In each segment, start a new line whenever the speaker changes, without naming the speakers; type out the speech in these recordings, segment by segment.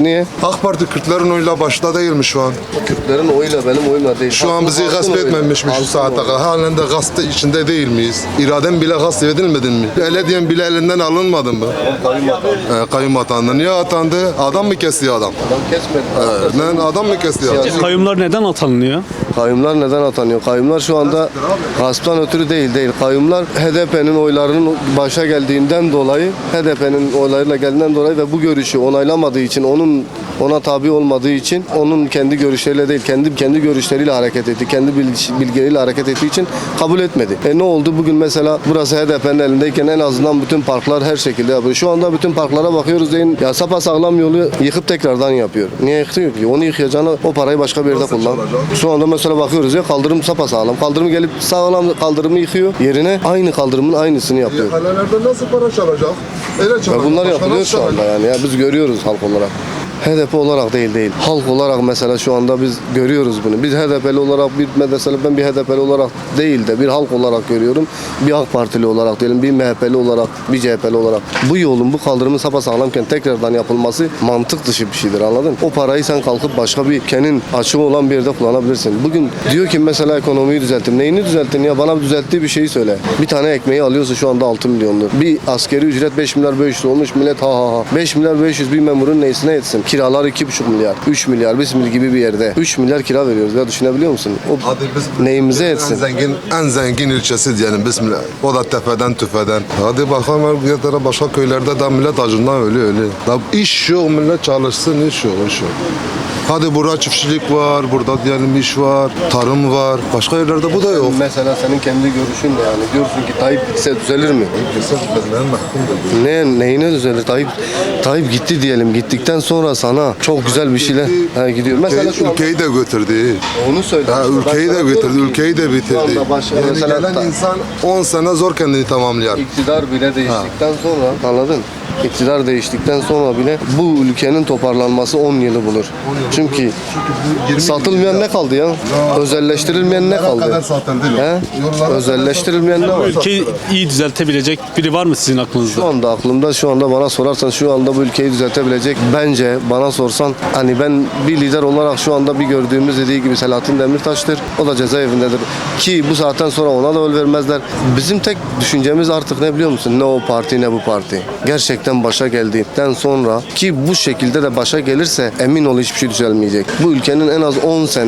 Niye?
AK Parti Kürtlerin oyuyla başta değil mi şu an?
Kürtlerin oyuyla benim oyumla değil.
Şu an bizi
Halkın
gasp
oyuyla.
etmemiş mi şu
Halkın
saate
oyuyla.
kadar? Halen de gasp içinde değil miyiz? İraden bile gasp edilmedin mi? Ele diyen bile elinden alınmadın mı? Kayyum atandı. Niye atandı? Adam mı kesiyor adam?
Adam kesmedi.
Lan adam mı kesiyor adam?
Kayyumlar neden atanınıyor?
Kayyumlar neden atanıyor? Kayyumlar şu anda gasptan ötürü değil. Kayyumlar HDP'nin oylarının başa geldiğinden dolayı, HDP'nin oylarıyla geldiğinden dolayı ve bu görüşü onaylamadığı için, ona tabi olmadığı için, onun kendi görüşleriyle değil, kendi görüşleriyle hareket etti, kendi bilgileriyle hareket ettiği için kabul etmedi. Ne oldu? Bugün mesela burası HDP'nin elindeyken en azından bütün parklar her şekilde yapıyor. Şu anda bütün parklara bakıyoruz deyin, ya sapasağlam yolu yıkıp tekrardan yapıyor. Niye yıkıyor ki? Onu yıkayacağına o parayı başka bir yerde kullan. Şu anda mesela bakıyoruz ya, kaldırım sapasağlam. Kaldırım gelip sağlam kaldırımı yıkıyor. Yerine aynı kaldırımın aynısını yapıyor.
Kalelerden nasıl para çalacak? Öyle çalacak.
Bunlar
Başka
yapılıyor
nasıl
şu anda
çalacak?
yani. Ya biz görüyoruz halk olarak. HDP olarak değil. Halk olarak mesela şu anda biz görüyoruz bunu. Biz HDP'li olarak mesela ben bir HDP'li olarak değil de bir halk olarak görüyorum. Bir AK Partili olarak diyelim, bir MHP'li olarak, bir CHP'li olarak. Bu yolun, bu kaldırımın sapasağlamken tekrardan yapılması mantık dışı bir şeydir, anladın mı? O parayı sen kalkıp başka bir kenin açığı olan bir yerde kullanabilirsin. Bugün diyor ki mesela ekonomiyi düzelttim. Neyini düzelttin ya? Bana düzelttiği bir şeyi söyle. Bir tane ekmeği alıyorsa şu anda 6 milyondur. Bir askeri ücret 5 milyar 500 olmuş, millet ha. 5 milyar 500 bir memurun neyisine etsin? Kiralar 2,5 milyar, 3 milyar, bizim gibi bir yerde. 3 milyar kira veriyoruz ya, düşünebiliyor musun? O
Hadi biz
neyimize etsin?
en zengin ilçesi diyelim bismillah. O da tepeden tüfeden. Hadi bakalım başka köylerde de millet acından ölüyor. Da iş yok, millet çalışsın, iş yok. Hadi burada çiftçilik var, burada diyelim iş var, tarım var. Başka yerlerde bu da yok.
Mesela senin kendi görüşün ne yani? Diyorsun ki Tayyip gitse düzelir mi? Neyine düzelir? Tayyip gitti diyelim. Gittikten sonra sana çok güzel bir şeyler gidiyor. Mesela şu anda
Ülkeyi de götürdü.
onu söyle.
Ülkeyi de götürdü, ülkeyi de bitirdi. Yani
Mesela
gelen insan 10 sene zor kendini tamamlayar.
İktidar bile değiştikten sonra, anladın? İktidar değiştikten sonra bile bu ülkenin toparlanması 10 yılı bulur. Çünkü satılmayan ne kaldı ya? Özelleştirilmeyen ne kaldı? Özelleştirilmeyen ne var?
Ülkeyi iyi düzeltebilecek biri var mı sizin aklınızda?
Şu anda aklımda, şu anda bana sorarsan şu anda bu ülkeyi düzeltebilecek, bence bana sorsan hani ben bir lider olarak şu anda bir gördüğümüz dediği gibi Selahattin Demirtaş'tır. O da cezaevindedir. Ki bu saatten sonra ona da öl vermezler. Bizim tek düşüncemiz artık ne biliyor musun? Ne o parti ne bu parti. Gerçekten başa geldikten sonra, ki bu şekilde de başa gelirse emin ol hiçbir şey düzelmeyecek. Bu ülkenin en az 10 sene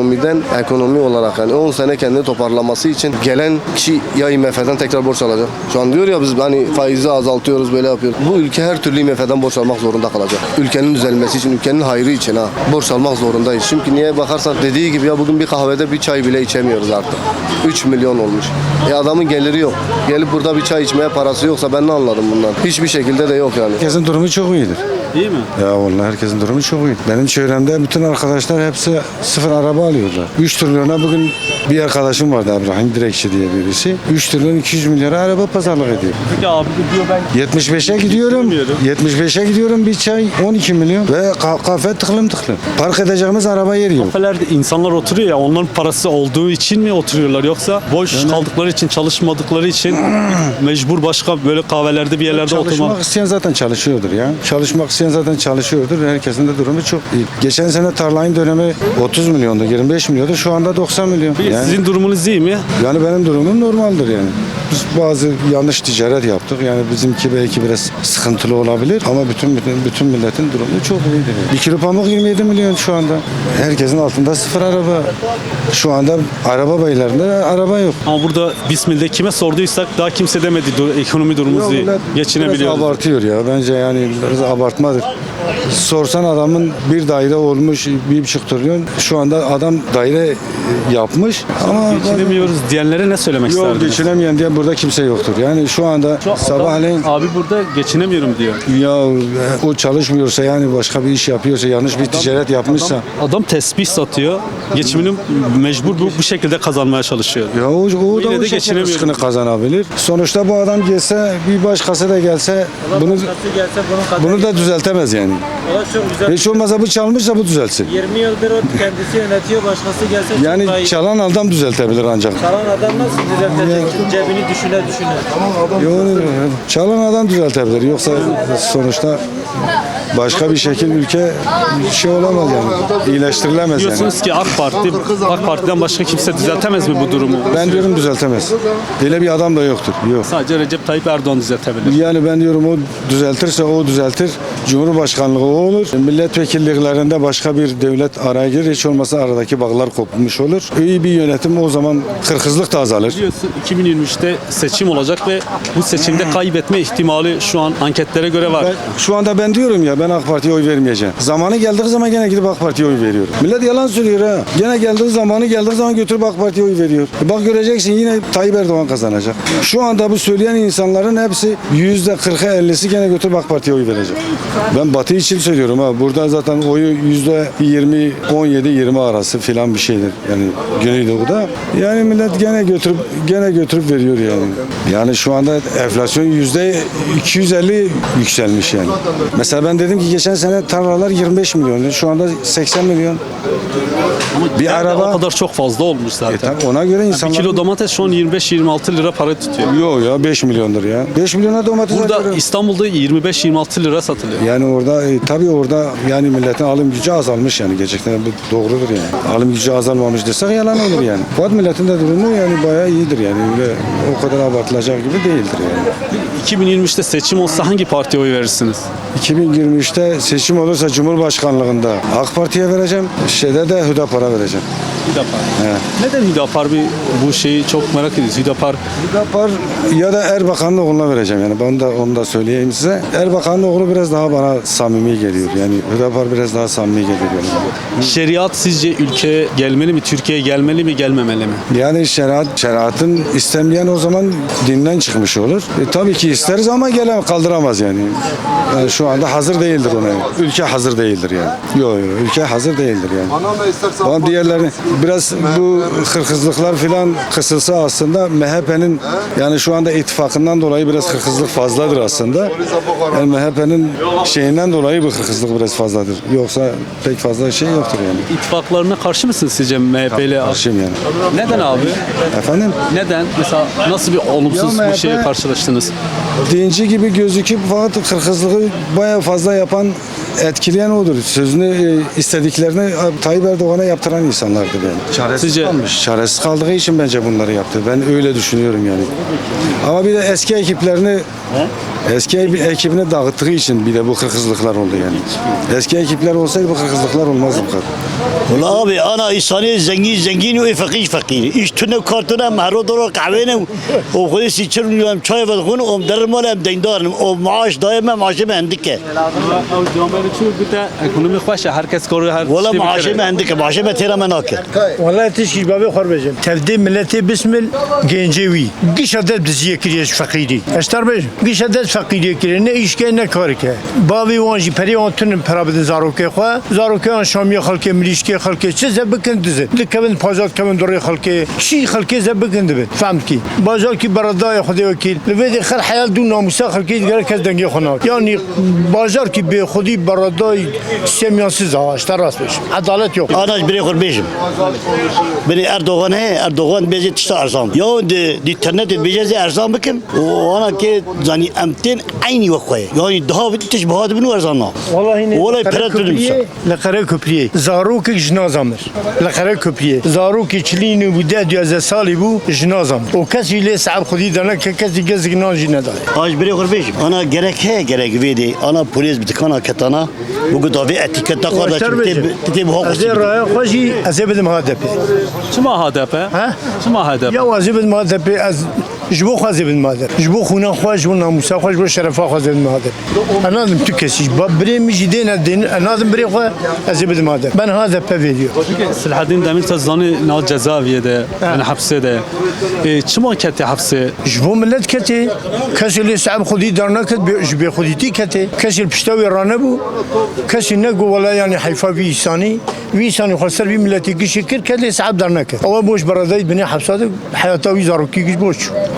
ekonomi olarak yani 10 sene kendini toparlaması için gelen kişi ya IMF'den tekrar borç alacak. Şu an diyor ya biz hani faizi azaltıyoruz, böyle yapıyoruz. Bu ülke her türlü IMF'den borç almak zorunda kalacak. Ülkenin düzelmesi için, ülkenin hayrı için borç almak zorundayız. Çünkü niye bakarsan dediği gibi ya bugün bir kahvede bir çay bile içemiyoruz artık. 3 milyon olmuş. Adamın geliri yok. Gelip burada bir çay içmeye parası yoksa ben ne anladım bundan? Hiçbir şekilde de yok yani.
Herkesin durumu çok iyidir.
Değil mi?
Ya vallahi herkesin durumu çok iyi. Benim çevremde bütün arkadaşlar hepsi sıfır araba alıyorlar. 3 trilyona bugün bir arkadaşım vardı, Abraham Direkçi diye birisi. 3 trilyon 200 milyara araba pazarlık ediyor.
Peki abi diyor ben
75'e gidiyorum. 75'e gidiyorum, bir çay 12 milyon ve kafe tıklım. Park edeceğimiz araba yeri yok.
kafelerde insanlar oturuyor ya, onların parası olduğu için mi oturuyorlar, yoksa boş kaldıkları için, çalışmadıkları için mecbur başka böyle kahvelerde bir yerlerde oturmak?
Çalışmak isteyen zaten çalışıyordur ya. Çalışmak isteyen zaten çalışıyordur. Herkesin de durumu çok iyi. Geçen sene tarlayın dönemi 30 milyondu, 25 milyondu. Şu anda 90 milyon. Yani,
Sizin durumunuz iyi mi?
yani benim durumum normaldir yani. Biz bazı yanlış ticaret yaptık. Yani bizimki belki biraz sıkıntılı olabilir ama bütün milletin durumu çok iyidir. Yani. 1 kilo pamuk 27 milyon şu anda. Herkesin altında sıfır araba. Şu anda araba baylarında araba yok.
Ama burada Bismil'de kime sorduysak daha kimse demedi ekonomi durumumuz iyi.
Biraz
Geçinebiliyoruz.
abartıyor ya. Bence yani biraz abartmadır. Sorsan adamın bir daire olmuş 1,5 trilyon. Şu anda adam daire yapmış ama
Geçinemiyoruz diyenlere ne söylemek
yok,
isterdiniz?
geçinemeyen diye burada kimse yoktur. Yani şu anda sabahleyin
Abi burada geçinemiyorum diyor.
ya o çalışmıyorsa, yani başka bir iş yapıyorsa, yanlış bir ticaret yapmışsa
Adam tesbih satıyor. Geçimini mecbur bu şekilde kazanmaya çalışıyor.
ya o
Yine
da
de
o şekilde
geçinemiyorum.
rızkını kazanabilir. Sonuçta bu adam gelse, bir başkası da gelse bunu da düzeltemez yani.
Valla çok güzel.
Hiç olmazsa bu çalmışsa bu düzelsin.
20 yıldır o kendisi yönetiyor, başkası gelse çok daha
Yani
iyi.
çalan adam düzeltebilir ancak.
Çalan adam nasıl düzeltecek? Cebini düşüne düşüne.
Yok, çalan adam düzeltebilir. Yoksa sonuçta başka bir şekil ülke şey olamaz yani. İyileştirilemez yani.
Diyorsunuz ki AK Parti'den başka kimse düzeltemez mi bu durumu?
Ben diyorum düzeltemez. Öyle bir adam da yoktur. Yok.
Sadece Recep Tayyip Erdoğan düzeltebilir.
Yani ben diyorum o düzeltirse o düzeltir. Cumhurbaşkanlığı o olur. Milletvekilliklerinde başka bir devlet araya girer. Hiç olmasa aradaki bağlar kopmuş olur. İyi bir yönetim o zaman kırkızlık da azalır.
Biliyorsun 2023'te seçim olacak ve bu seçimde kaybetme ihtimali şu an anketlere göre var.
Şu anda ben diyorum ya ben AK Parti'ye oy vermeyeceğim. Zamanı geldiği zaman gene gidip AK Parti'ye oy veriyorum. Millet yalan söylüyor ha. Gene geldiği zaman götürüp AK Parti'ye oy veriyor. Bak göreceksin yine Tayyip Erdoğan kazanacak. Şu anda bu söyleyen insanların hepsi %40'a 50'si gene götürüp AK Parti'ye oy verecek. Ben Batı için söylüyorum ha. Burada zaten oyu %20, 17-20 arası filan bir şeydir. Yani Güneydoğu'da. Yani millet gene götürüp veriyor yani. Yani şu anda enflasyon %250 yükselmiş yani. Mesela ben dedim ki geçen sene tarlalar 25 milyon. Şu anda 80 milyon. Bir araba
o kadar çok fazla olmuş zaten.
tabii ona göre
Bir
insanlar...
kilo domates şu an 25-26 lira para tutuyor.
Yok ya 5 milyondur ya. 5 milyona domates
Burada
alıyorum.
İstanbul'da 25-26 lira satılıyor.
Yani orada tabii orada yani milletin alım gücü azalmış yani gerçekten bu doğrudur yani. Alım gücü azalmamış desek yalan olur yani. Fakat milletin de durumu yani bayağı iyidir yani. Öyle o kadar abartılacak gibi değildir yani.
2023'te seçim olsa hangi partiye oy verirsiniz?
2023'te seçim olursa Cumhurbaşkanlığında AK Parti'ye vereceğim. Şeyde de Hüdapar'a vereceğim.
Hüdapar.
He.
Neden Hüdapar bu şeyi çok merak ediyoruz. Hüdapar
Hüdapar ya da Erbakan'ın oğluna vereceğim yani. Ben de onu da söyleyeyim size. Erbakan'ın oğlu biraz daha bana samimi geliyor. Yani Hüdapar biraz daha samimi geliyor. Yani.
şeriat sizce ülkeye gelmeli mi? Türkiye'ye gelmeli mi, gelmemeli mi?
Yani şeriatın istemeyen o zaman dinden çıkmış olur. Tabii ki isteriz ama kaldıramaz yani. Yani şu anda hazır değildir ona. Ülke hazır değildir yani. Yok ülke hazır değildir yani. Ama diğerlerini biraz bu hırkızlıklar filan kısılsa aslında MHP'nin yani şu anda ittifakından dolayı biraz hırkızlık fazladır aslında. Yani MHP'nin şeyinden dolayı bu hırkızlık biraz fazladır. Yoksa pek fazla şey yoktur yani.
İttifaklarına karşı mısınız sizce MHP ile?
Karşıyım yani.
Neden abi?
Efendim?
Neden? Mesela nasıl bir olumsuz
Ya
bir şeye
MHP
karşılaştınız?
dinci gibi gözüküp fakat kırkızlığı bayağı fazla yapan, etkileyen odur. Sözünü istediklerini Tayyip Erdoğan'a yaptıran insanlardı yani. Çaresiz
Sizce-
kalmış. Çaresiz kaldığı için bence bunları yaptı. Ben öyle düşünüyorum yani. Ama bir de eski ekibini dağıttığı için bir de bu kırkızlıklar oldu yani. Eski ekipler olsaydı bu kırkızlıklar olmazdı bu kadar.
والله أبي أنا إنساني زنجين وفقير فقير إيش تنا كارتنا مهرو درو قعوينا وخذي سيتشرن يوم شاي بدخون ومدرب مالهم ديندار ومعاش دائما معاشي ما عندك
ekonomi خوشه herkes koruyor her
ولا
şey
معاشي ما عندك معاشي ما تيرا مناكر
والله تشكي بابي خربجم تفدي ملتي بسم الجنجوي قيش عدد بزيه كريش فقيري اشتر بج قيش عدد فقيري كري نه ايش كان كارك بابي وانجي بري اونتن برابد زاروكي خو زاروكي ان شامي خلكي مليشكي خلكي چه زبكن دزه لكبن پازات كمن دوري خلكي شي خلكي زبكن دبن فهمتكي بازار كي براداي خدي وكيل لبدي خل حيال دون ناموسا خلكي دغر كز دنگي خنا يعني بازار كي بي خدي براداي سيميانسيز اشتر راست بش عدالت yok
أنا بري خور بيجم بري أردوغان هي أردوغان بيجي تشتا أرزام يو دي ترنت بيجي أرزام بكم وأنا كي زاني أمتين عيني وخوي يعني ده تشبهات بنو أرزامنا
والله
والله برات بنمسا
لقره کپریه زاروک جنازامر لقره کپریه زاروک چلینو بوده 12 سالی بو جنازام و کسی لی صعب خودی دانه که کسی گزگ ناجی نداره
آج بري خور بيجم أنا gerek he gerek vedi أنا بوليس بتكانا كتانا بقول دافي اتيكتا قادة تتي بهاق
از راه خوشی از بدم هدف
Çima HDP?
ها
Çima HDP?
یا از بدم هدف از جبو خواهد بدم هدف جبو خونه خواه جبو ناموسا خواه جبو شرفا خواهد بدم هدف انا دم تو کسیش با بری میجی دین انا دم بری خواه از بدم هدف من هدف ویدیو
Selahattin Demirtaş zanı nal cezaeviyede, yani hapsede. Çima keti hapse?
جبو ملت کتی کسی لی صعب خودی دار نکد جبی خودی تی کتی کسی پشتاوی رانه بو کسی نگو ولا یعنی حیفا وی انسانی خواستر وی ملتی کی شکر کلی صعب دار نکد اول بوش برادای بنی حبسات حیاتاوی زاروکی گیش بوش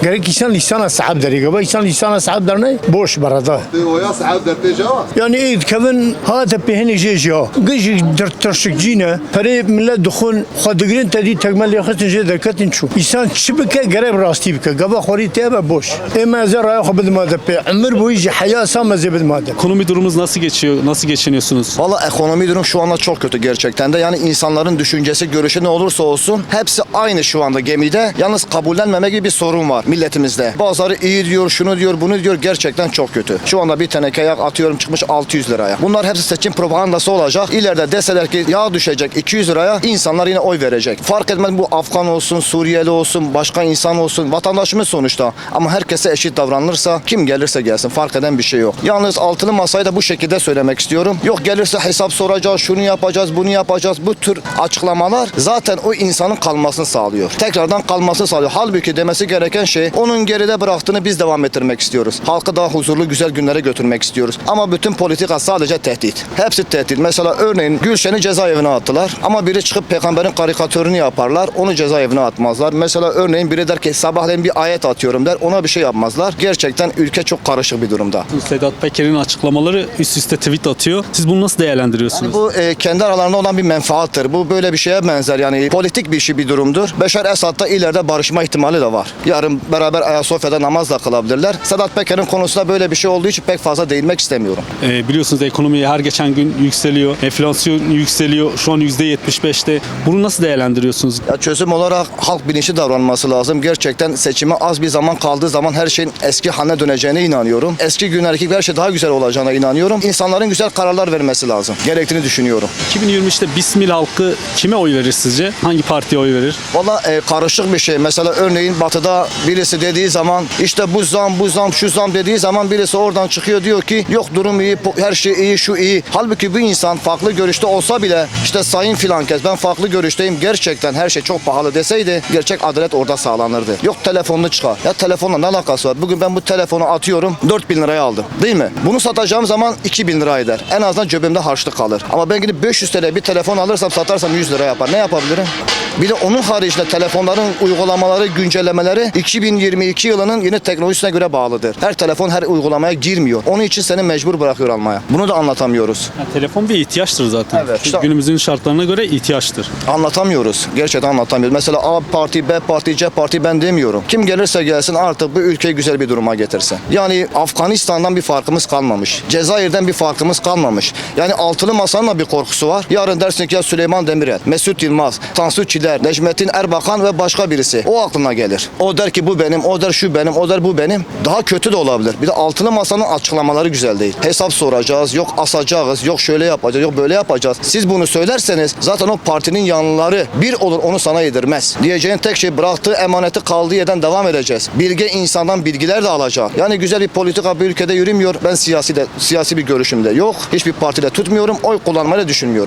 Gerek insan lisana sahip deri. Gaba insan lisana sahip der ne? Boş barada.
Oya sahip dertte cevap.
Yani eğit kevin hata pehini jeja. Gıcı dırtırşık cine. Peri millet dukhun xadigrin tedi tekmel yakıtın je derketin çu. İnsan çibike gerek rasti bike. Gaba khori tebe boş. Ema zer raya xabid madde. Ömür boyu hayat samazı bid madde.
Ekonomi durumunuz nasıl geçiyor? Nasıl geçiniyorsunuz?
Valla ekonomi durum şu anda çok kötü gerçekten de. Yani insanların düşüncesi, görüşü ne olursa olsun hepsi aynı şu anda gemide. Yalnız kabullenmeme gibi bir sorun var milletimizde. Bazıları iyi diyor, şunu diyor, bunu diyor. Gerçekten çok kötü. Şu anda bir teneke yağ atıyorum çıkmış 600 liraya. Bunlar hepsi seçim propagandası olacak. İleride deseler ki yağ düşecek 200 liraya, insanlar yine oy verecek. Fark etmez bu Afgan olsun, Suriyeli olsun, başka insan olsun. Vatandaşımız sonuçta. Ama herkese eşit davranılırsa kim gelirse gelsin fark eden bir şey yok. Yalnız altılı masayı da bu şekilde söylemek istiyorum. Yok gelirse hesap soracağız, şunu yapacağız, bunu yapacağız. Bu tür açıklamalar zaten o insanın kalmasını sağlıyor. Tekrardan kalmasını sağlıyor. Halbuki demesi gereken şey onun geride bıraktığını biz devam ettirmek istiyoruz. Halkı daha huzurlu güzel günlere götürmek istiyoruz. Ama bütün politika sadece tehdit. Hepsi tehdit. Mesela örneğin Gülşen'i cezaevine attılar. Ama biri çıkıp peygamberin karikatürünü yaparlar. Onu cezaevine atmazlar. Mesela örneğin biri der ki sabahleyin bir ayet atıyorum der. Ona bir şey yapmazlar. Gerçekten ülke çok karışık bir durumda.
Sedat Peker'in açıklamaları üst üste tweet atıyor. Siz bunu nasıl değerlendiriyorsunuz?
Bu kendi aralarında olan bir menfaattır. Bu böyle bir şeye benzer yani politik bir şey bir durumdur. Beşar Esad'da ileride barışma ihtimali de var. Yarın beraber Ayasofya'da namaz da kılabilirler. Sedat Peker'in konusunda böyle bir şey olduğu için pek fazla değinmek istemiyorum.
Biliyorsunuz ekonomi her geçen gün yükseliyor. Enflasyon yükseliyor. Şu an %75'te. Bunu nasıl değerlendiriyorsunuz?
Ya çözüm olarak halk bilinçli davranması lazım. Gerçekten seçime az bir zaman kaldığı zaman her şeyin eski haline döneceğine inanıyorum. Eski günlerdeki her şey daha güzel olacağına inanıyorum. İnsanların güzel kararlar vermesi lazım. Gerektiğini düşünüyorum.
2023'te Bismil halkı kime oy verir sizce? Hangi partiye oy verir?
Valla karışık bir şey. Mesela örneğin batıda birisi dediği zaman işte bu zam, şu zam dediği zaman birisi oradan çıkıyor diyor ki yok durum iyi, her şey iyi, şu iyi. Halbuki bu insan farklı görüşte olsa bile işte sayın filan kez ben farklı görüşteyim. Gerçekten her şey çok pahalı deseydi gerçek adalet orada sağlanırdı. Yok telefonunu çıkar. Ya telefonla ne alakası var? Bugün ben bu telefonu atıyorum 4.000 liraya aldım. Değil mi? Bunu satacağım zaman 2.000 lira eder. En azından cebimde harçlık kalır. Ama ben gidip 500 TL bir telefon alırsam satarsam 100 lira yapar. Ne yapabilirim? Bir de onun haricinde telefonların uygulamaları, güncellemeleri 2022 yılının yeni teknolojisine göre bağlıdır. Her telefon her uygulamaya girmiyor. Onun için seni mecbur bırakıyor almaya. Bunu da anlatamıyoruz.
Yani telefon bir ihtiyaçtır zaten.
Evet, işte-
Günümüzün şartlarına göre ihtiyaçtır.
Anlatamıyoruz. Gerçekten anlatamıyoruz. Mesela A parti, B parti, C parti ben demiyorum. Kim gelirse gelsin artık bu ülkeyi güzel bir duruma getirsin. Yani Afganistan'dan bir farkımız kalmamış. Cezayir'den bir farkımız kalmamış. Yani altılı masanın da bir korkusu var. Yarın dersin ki ya Süleyman Demirel, Mesut Yılmaz, Tansu Çiller, Necmettin Erbakan ve başka birisi. O aklına gelir. O der ki bu benim, o der şu benim, o der bu benim. Daha kötü de olabilir. Bir de altılı masanın açıklamaları güzel değil. Hesap soracağız, yok asacağız, yok şöyle yapacağız, yok böyle yapacağız. Siz bunu söylerseniz zaten o partinin yanlıları bir olur onu sana yedirmez. Diyeceğin tek şey bıraktığı emaneti kaldığı yerden devam edeceğiz. Bilge insandan bilgiler de alacak. Yani güzel bir politika bir ülkede yürümüyor. Ben siyasi bir görüşümde yok. Hiçbir partide tutmuyorum. Oy kullanmayı da düşünmüyorum.